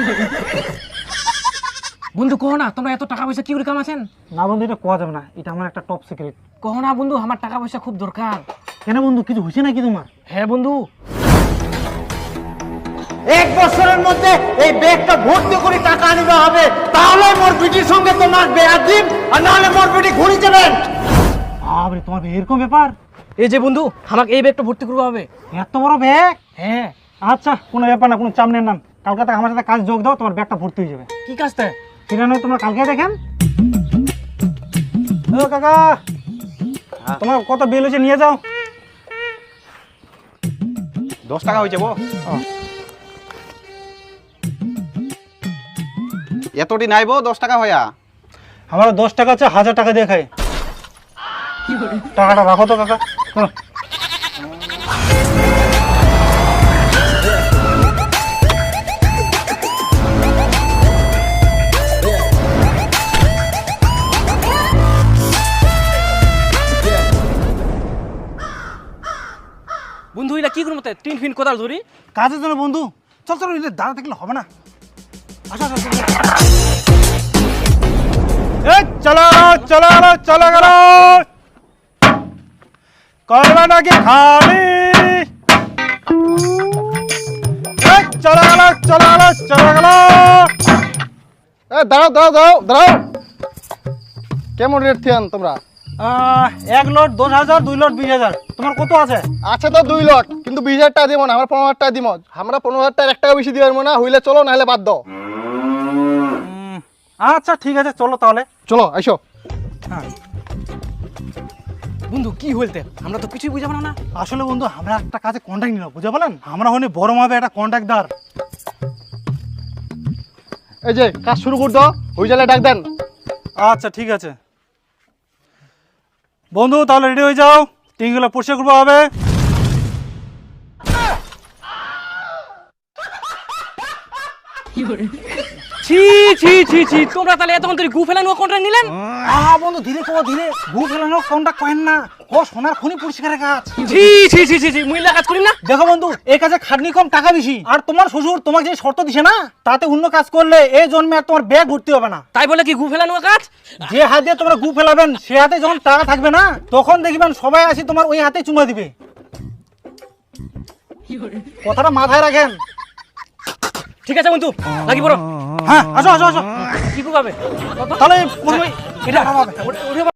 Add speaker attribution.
Speaker 1: বন্ধু কহ না তোমরা এত টাকা পয়সা কি করে কামাছেন?
Speaker 2: না বন্ধু, এটা কোয়া যাবে না, এটা আমার একটা টপ সিক্রেট।
Speaker 1: কহ না বন্ধু, আমার টাকা পয়সা খুব দরকার।
Speaker 2: কেন বন্ধু, কিছু হয়েছে নাকি তোমার?
Speaker 1: হ্যাঁ বন্ধু,
Speaker 3: 1 বছরের মধ্যে এই ব্যাগটা ভর্তি করে টাকা আনিতে হবে, তাহলে মোর বিটির সঙ্গে তোমার বিয়া দিন, আর নাহলে মোর বিটি ঘুরি যাবেন।
Speaker 2: আরে তোমার এরকম ব্যাপার?
Speaker 1: এই যে বন্ধু, আমাকে এই ব্যাগটা ভর্তি করবো হবে।
Speaker 2: এত বড় ব্যাগ?
Speaker 1: হ্যাঁ।
Speaker 2: আচ্ছা, কোনো ব্যাপার না, কোনো চাপ নেন না। কালকে থেকে আমার সাথে কাজ যোগ দাও, তোমার ব্যাগটা ভর্তি হয়ে যাবে।
Speaker 1: কি কাজটা?
Speaker 2: সেটা নয়, তোমরা কালকে দেখেন। ও কাকা, তোমার কত বিল হয়েছে নিয়ে যাও।
Speaker 4: 10 টাকা হয়েছে বো। এতটি নাইবো 10 টাকা হইয়া।
Speaker 2: আমার 10 টাকা আছে, 1000 টাকা দিয়ে খাই। টাকাটা রাখো তো কাকা। চলো।
Speaker 1: বন্ধু এটা কি করবো? টিন ফিন কোদাল ধরি
Speaker 2: কাজের জন্য বন্ধু। চল চলো, দাঁড়া থাকলে হবে না। আসো আসো, চলো চলো চলো চলো গেল। করবে নাকি খালি? চলো গেল চলো গেল চলো গেল।
Speaker 4: দাঁড়াও দাঁড়াও দাঁড়াও দাঁড়াও। কেমন রেট থিয়ান তোমরা?
Speaker 2: 1 লট 10,000, 2 লট 20,000। তোমার কত আছে?
Speaker 4: আছে তো 2 লট, কিন্তু 20,000 টাকা দিব না, আমরা 15,000 টাকা দিব। আমরা 15,000 টাকা 1 টাকা বেশি দিবার না, হইলে চলো, নাহলে বাদ দাও।
Speaker 2: আচ্ছা ঠিক আছে, চলো তাহলে।
Speaker 4: চলো আইসো।
Speaker 2: হ্যাঁ
Speaker 1: বন্ধু, কি হইতে আমরা তো কিছুই বুঝাবো না।
Speaker 2: আসলে বন্ধু, আমরা একটা কাজে কন্ট্যাক্ট নিলাম, বুঝতে পারলেন? আমরা হলে বড় মাপে একটা কন্ট্যাক্টদার।
Speaker 4: এই যে কাজ শুরু করে দাও, হয়ে গেলে ডাক দেন।
Speaker 2: আচ্ছা ঠিক আছে বন্ধু, তাহলে রেডি হয়ে যাও, টিনগুলো পরিষ্কার করবো হবে।
Speaker 1: ছি ছি ছি ছি, তোমরা তাহলে এতক্ষণ ধরে গু ফেলানো কন্ট্রাক্ট নিলেন?
Speaker 2: বন্ধু ধীরে কো, ধীরে। ভু ফেলানো কন্ট্যাক্ট করেন না, ও সোনার খনি পরিষ্কারের কাজ।
Speaker 1: ছি ছি ছি ছি ছি, মহিলা কাজ করি না।
Speaker 2: দেখো বন্ধু, এই কাজে খাটনি কম, টাকা বেশি। আর তোমার শ্বশুর তোমাকে যে শর্ত দিছে না, তাতে অন্য কাজ করলে এই জন্মে আর তোমার ব্যাগ ভর্তি হবে না।
Speaker 1: তাই বলে কি গু ফেলানো কাজ?
Speaker 2: যে হাত দিয়ে তোমরা গু ফেলাবেন, সে হাতে যখন টাকা থাকবে না, তখন দেখবেন সবাই আসি তোমার ওই হাতে চুমা দিবে। কথাটা মাথায় রাখেন।
Speaker 1: ঠিক আছে বন্ধু, লাগি পড়ো।
Speaker 2: হ্যাঁ, আসো আসো আসো।
Speaker 1: কি করবে?
Speaker 2: তাহলে প্রথমে এটা